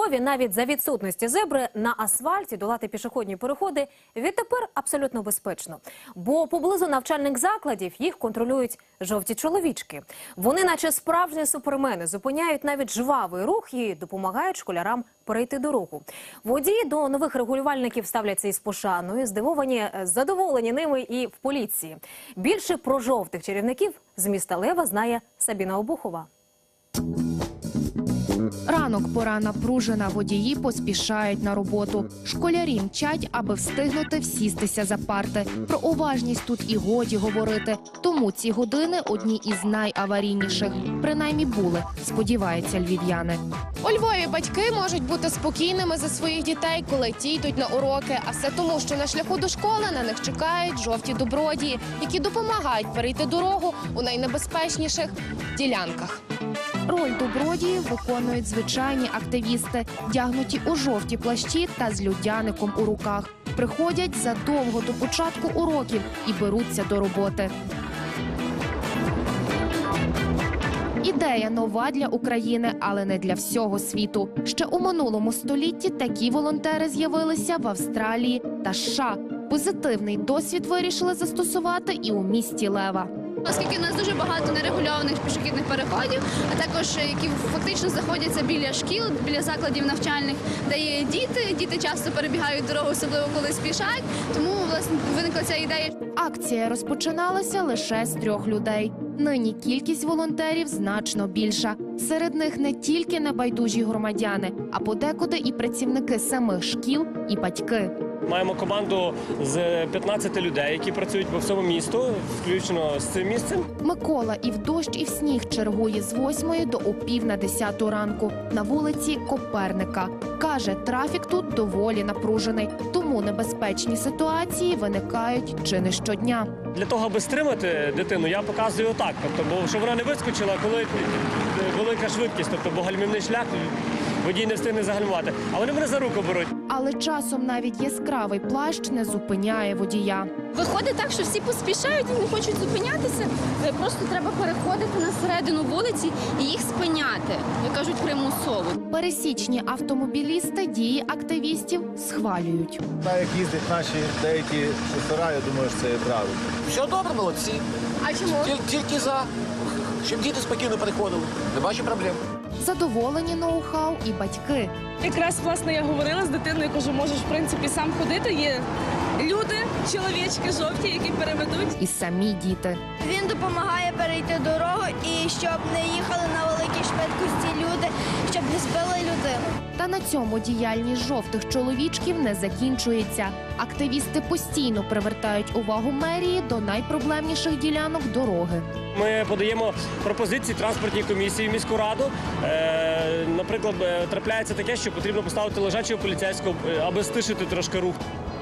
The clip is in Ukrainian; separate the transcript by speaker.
Speaker 1: Львові навіть за відсутності зебри на асфальті долати пішохідні переходи відтепер абсолютно безпечно. Бо поблизу навчальних закладів їх контролюють жовті чоловічки. Вони, наче справжні супермени, зупиняють навіть жвавий рух і допомагають школярам перейти дорогу. Водії до нових регулювальників ставляться із пошаною, задоволені ними і в поліції. Більше про жовтих чарівників з міста Лева знає Сабіна Обухова.
Speaker 2: Ранок, пора напружена, водії поспішають на роботу. Школярі мчать, аби встигнути всістися за парти. Про уважність тут і годі говорити. Тому ці години одні із найаварійніших. Принаймні були, сподіваються львів'яни. У Львові батьки можуть бути спокійними за своїх дітей, коли ті йдуть на уроки. А все тому, що на шляху до школи на них чекають жовті добродії, які допомагають перейти дорогу у найнебезпечніших ділянках. Роль добродіїв виконують звичайні активісти, вдягнуті у жовті плащі та з людяником у руках. Приходять задовго до початку уроків і беруться до роботи. Ідея нова для України, але не для всього світу. Ще у минулому столітті такі волонтери з'явилися в Австралії та США. Позитивний досвід вирішили застосувати і у місті Лева.
Speaker 3: Оскільки у нас дуже багато нерегульованих пішохідних переходів, а також які фактично знаходяться біля шкіл, біля закладів навчальних, де є діти часто перебігають дорогу, особливо коли спішать, тому власне виникла ця ідея.
Speaker 2: Акція розпочиналася лише з 3 людей. Нині кількість волонтерів значно більша. Серед них не тільки небайдужі громадяни, а подекуди і працівники самих шкіл, і батьки.
Speaker 4: Маємо команду з 15 людей, які працюють по всьому місту, включно з цим місцем.
Speaker 2: Микола і в дощ, і в сніг чергує з 8 до о 9:50 ранку на вулиці Коперника. Каже, трафік тут доволі напружений, тому небезпечні ситуації виникають чи не щодня.
Speaker 4: Для того, аби стримати дитину, я показую отак, бо щоб вона не вискочила, коли велика швидкість, бо гальмівний шлях водій не встигне загальмувати. А вони мене за руку беруть.
Speaker 2: Але часом навіть яскравий плащ не зупиняє водія.
Speaker 3: Виходить так, що всі поспішають і не хочуть зупинятися. Просто треба переходити на середину вулиці і їх спиняти, як кажуть, примусово.
Speaker 2: Пересічні автомобілісти дії активістів схвалюють.
Speaker 5: Так як їздять наші деякі шофера, я думаю, що це є правильно.
Speaker 6: Все добре, молодці.
Speaker 3: А чому?
Speaker 6: Тільки за, щоб діти спокійно переходили. Не бачу проблем.
Speaker 2: Задоволені ноу-хау і батьки.
Speaker 7: Якраз, власне, я говорила з дитиною, кажу, можеш, в принципі, сам ходити. Є люди, чоловічки жовті, які переведуть.
Speaker 2: І самі діти.
Speaker 8: Він допомагає перейти дорогу і щоб не їхали на великій швидкості люди, щоб не збили людину.
Speaker 2: Та на цьому діяльність жовтих чоловічків не закінчується. Активісти постійно привертають увагу мерії до найпроблемніших ділянок дороги.
Speaker 4: Ми подаємо пропозиції транспортній комісії в міську раду. Наприклад, трапляється таке, що потрібно поставити лежачого поліцейського, аби стишити трошки рух.